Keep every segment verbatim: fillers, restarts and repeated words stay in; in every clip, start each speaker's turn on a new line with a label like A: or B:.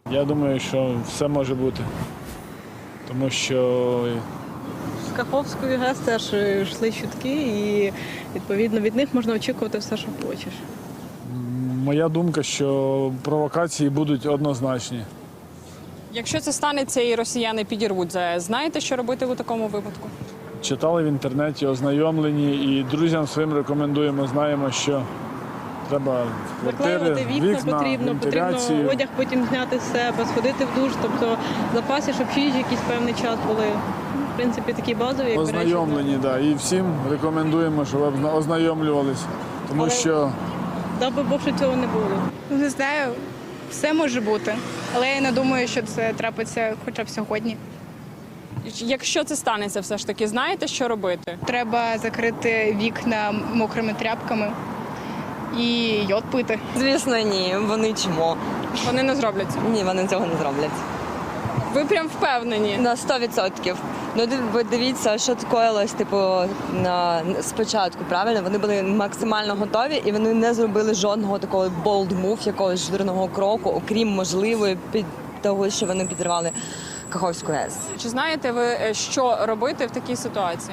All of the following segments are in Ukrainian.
A: Я думаю, що все може бути, тому що
B: З Каховської ГЕС теж йшли чутки, і відповідно від них можна очікувати все, що хочеш.
A: моя думка, що провокації будуть однозначні.
C: Якщо це станеться і росіяни підірвуть ЗАЕС, знаєте, що робити у такому випадку?
A: Читали в інтернеті, ознайомлені, і друзям своїм рекомендуємо, знаємо, що треба квартири,
B: Заклеювати вікна,
A: вікна,
B: потрібно,
A: вентиляцію.
B: потрібно одяг потім зняти з себе, сходити в душ, тобто в запасі, щоб їжі якийсь певний час були. В принципі, такі базові, як
A: Ознайомлені, так. Да. І всім рекомендуємо, щоб озна- ознайомлювалися, тому
B: Але-
A: що
B: Дай би Бог, що цього не було.
D: Не знаю, все може бути, але я не думаю, що це трапиться хоча б сьогодні.
C: Якщо це станеться все ж таки, знаєте, що робити?
D: Треба закрити вікна мокрими тряпками і йод пити.
E: Звісно, ні, вони чмо.
C: Вони не зроблять цього.
E: Ні, вони цього не зроблять.
C: Ви прям впевнені?
E: На сто відсотків. Ну, див- ви дивіться, що коїлось, типу, на спочатку, правильно? Вони були максимально готові і вони не зробили жодного такого bold move, якогось жирного кроку, окрім можливої під того, що вони підривали Каховську ГЕС.
C: Чи знаєте ви, е, що робити в такій ситуації?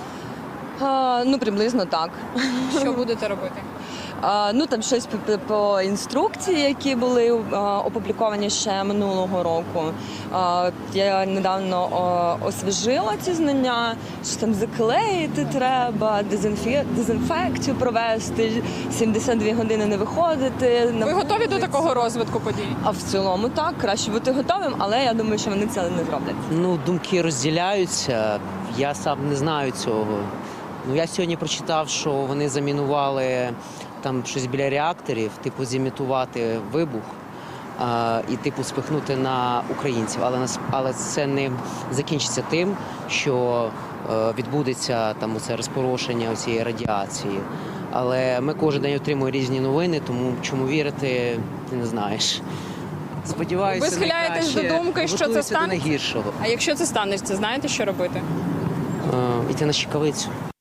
E: А, ну, приблизно так.
C: Що будете робити?
E: А, ну, там щось по, по- по інструкції, які були а, опубліковані ще минулого року. А, я недавно а, освіжила ці знання, що там заклеїти треба, дезінфі... дезінфекцію провести, сімдесят дві години не виходити. на
C: Ви готові до
E: вулицю.
C: такого розвитку подій?
E: А в цілому так, краще бути готовим, але я думаю, що вони це не зроблять.
F: Ну, думки розділяються. Я сам не знаю цього. Ну, я сьогодні прочитав, що вони замінували там щось біля реакторів, типу зімітувати вибух а, і типу спихнути на українців. Але нас, але це не закінчиться тим, що е, відбудеться там оце розпорошення цієї радіації. Але ми кожен день отримуємо різні новини, тому чому вірити, ти не знаєш. Сподіваюся,
C: Ви схиляєтесь
F: найкраще,
C: до думки, що це
F: готуюся до
C: станеться?
F: найгіршого.
C: А якщо це станеться, знаєте, що робити?
F: Е, Іти на щекавицю.